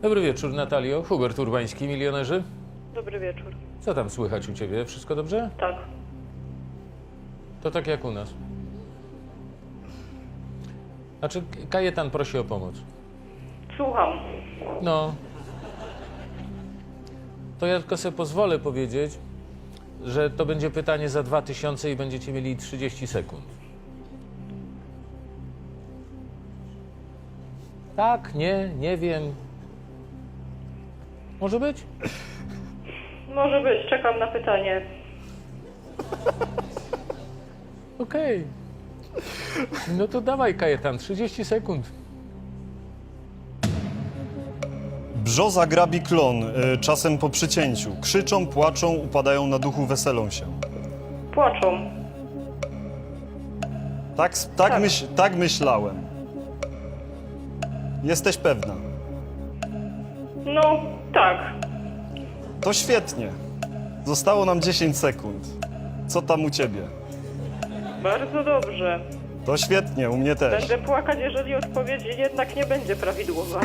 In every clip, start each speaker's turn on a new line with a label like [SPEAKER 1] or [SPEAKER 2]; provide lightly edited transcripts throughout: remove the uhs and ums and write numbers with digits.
[SPEAKER 1] Dobry wieczór, Natalio. Hubert Urbański, Milionerzy.
[SPEAKER 2] Dobry wieczór.
[SPEAKER 1] Co tam słychać u ciebie? Wszystko dobrze?
[SPEAKER 2] Tak.
[SPEAKER 1] To tak jak u nas. Znaczy, Kajetan prosi o pomoc.
[SPEAKER 2] Słucham.
[SPEAKER 1] No. To ja tylko sobie pozwolę powiedzieć, że to będzie pytanie za 2000 i będziecie mieli 30 sekund. Tak, nie wiem. Może być?
[SPEAKER 2] Może być. Czekam na pytanie.
[SPEAKER 1] Okej. No to dawaj, Kajetan, 30 sekund.
[SPEAKER 3] Brzoza grabi klon, czasem po przycięciu. Krzyczą, płaczą, upadają na duchu, weselą się.
[SPEAKER 2] Płaczą.
[SPEAKER 3] Tak myślałem. Jesteś pewna?
[SPEAKER 2] No, tak.
[SPEAKER 3] To świetnie. Zostało nam 10 sekund. Co tam u ciebie?
[SPEAKER 2] Bardzo dobrze.
[SPEAKER 3] To świetnie, u mnie też.
[SPEAKER 2] Będę płakać, jeżeli odpowiedź jednak nie będzie prawidłowa.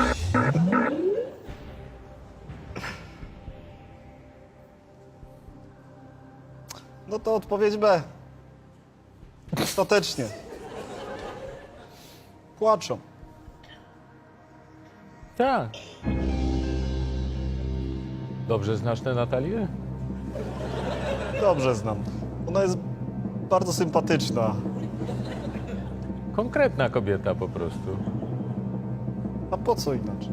[SPEAKER 3] No to odpowiedź B. Ostatecznie. Płaczą.
[SPEAKER 1] Tak. Dobrze znasz tę Natalię?
[SPEAKER 3] Dobrze znam. Ona jest bardzo sympatyczna.
[SPEAKER 1] Konkretna kobieta po prostu.
[SPEAKER 3] A po co inaczej?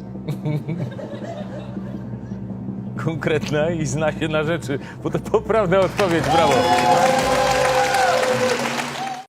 [SPEAKER 1] Konkretna i zna się na rzeczy, bo to poprawna odpowiedź, brawo.